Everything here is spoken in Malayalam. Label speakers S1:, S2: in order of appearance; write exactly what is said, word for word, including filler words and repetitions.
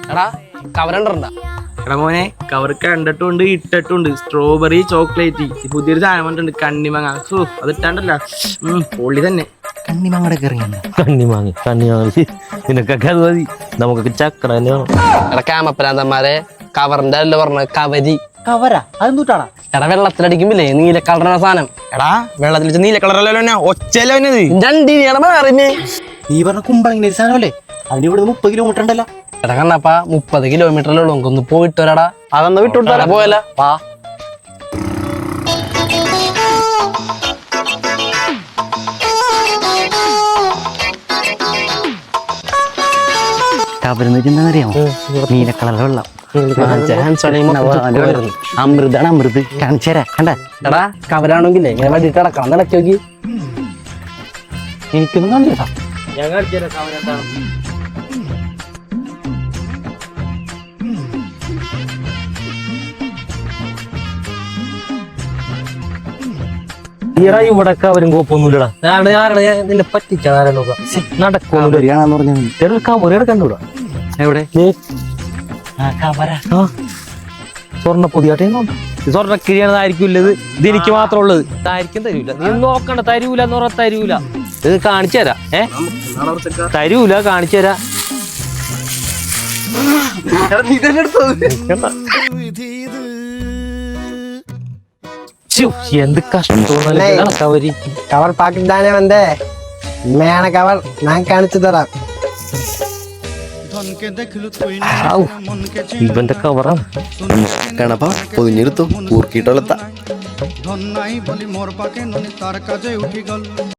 S1: എടാ കവറുണ്ടാ
S2: എടാ മോനെ കവർ കണ്ടിട്ടുണ്ട് ഇട്ടിട്ടുണ്ട് സ്ട്രോബെറി ചോക്ലേറ്റ് പുതിയൊരു സാധനം വന്നിട്ടുണ്ട് കണ്ണിമാങ്ങ സോ അത് ഇട്ടാണ്ടല്ല പൊള്ളി തന്നെ.
S3: കണ്ണിമാങ്ങടെ കറിയാണ്.
S4: കണ്ണിമാങ്ങി കണ്ണിമാങ്ങി നിനക്കൊക്കെ അത് മതി, നമുക്കൊക്കെ ചക്കട തന്നെ വേണം.
S1: എടാ ക്യാമപ്പരാന്തന്മാരെ കവറിന്റെ അല്ല പറഞ്ഞ കവരി.
S3: കവരാ അതെന്തൂട്ടാടാ?
S1: എടാ വെള്ളത്തിലടിക്കുമ്പില്ലേ നീല കളറുള്ള സാധനം.
S2: എടാ വെള്ളത്തിൽ വെച്ച് നീല കളറല്ലോ ഒച്ചല്ലോ
S1: രണ്ടിനെയാണ് മാറിഞ്ഞേ.
S3: നീ പറഞ്ഞ കുമ്പളങ്ങനെ ഒരു സാധനമല്ലേ? അതിന് ഇവിടെ മുപ്പത് കിലോമീറ്റർ ഉണ്ടല്ലോ.
S1: എടാ കണ്ണപ്പാ മുപ്പത് കിലോമീറ്ററിലേ ഉള്ളൂ, നമുക്കൊന്ന് പോയിട്ട് വരാടാ. അതൊന്ന് വിട്ടുകൊടുത്താ പോയല്ല വാ.
S3: കവരെന്ന് വെച്ചാൽ എന്താണെന്നറിയാമോ? നീല കളർ വെള്ളം.
S1: അമൃതാണ് അമൃത്.
S3: കാണിച്ചേരാ കണ്ട.
S1: എടാ കവരാണെങ്കിലേ ഇങ്ങനെ വേണ്ടിട്ട് അടക്കണം ഇടയ്ക്ക് നോക്കി.
S3: എനിക്കൊന്നും കാണിച്ചാ
S4: ഞാൻ കാണിച്ചു തരാം കവർ എന്താണ്. ഈടാ ഇവിടെ കവരും കോപ്പൊന്നുമില്ലടാ. ഞാൻ ആരാണ് നിന്നെ പറ്റിച്ചാൽ നടക്കൊന്നുമില്ല. കവർ കണ്ടുകൂടാ.
S3: എവിടെ?
S4: സ്വർണ്ണ പൊതിയാട്ടെ സ്വർണ്ണ കിഴിയാണതായിരിക്കും ഇല്ലത്. ഇത് എനിക്ക് മാത്രം ഉള്ളത്. ഇതായിരിക്കും തരൂല. നീ നോക്കണ്ട, തരൂല എന്ന് പറഞ്ഞാൽ തരൂല. ഇത് കാണിച്ചു തരാം. ഏ തരൂല, കാണിച്ചു തരാം. എന്ത് കഷ്ടം കവരി.
S1: കവർ പാക്കറ്റ് தானே வந்தே மேன கவர் நான் காണിച്ചു തരാം.
S4: ഇവന്റെ കവറാണ്.
S5: കണപ്പാ പൊതിഞ്ഞെടുത്തു ഊർക്കിട്ടൊലത്ത
S6: ধন নাই বলি মোর পাকে ননি তার কাজে উঠি গল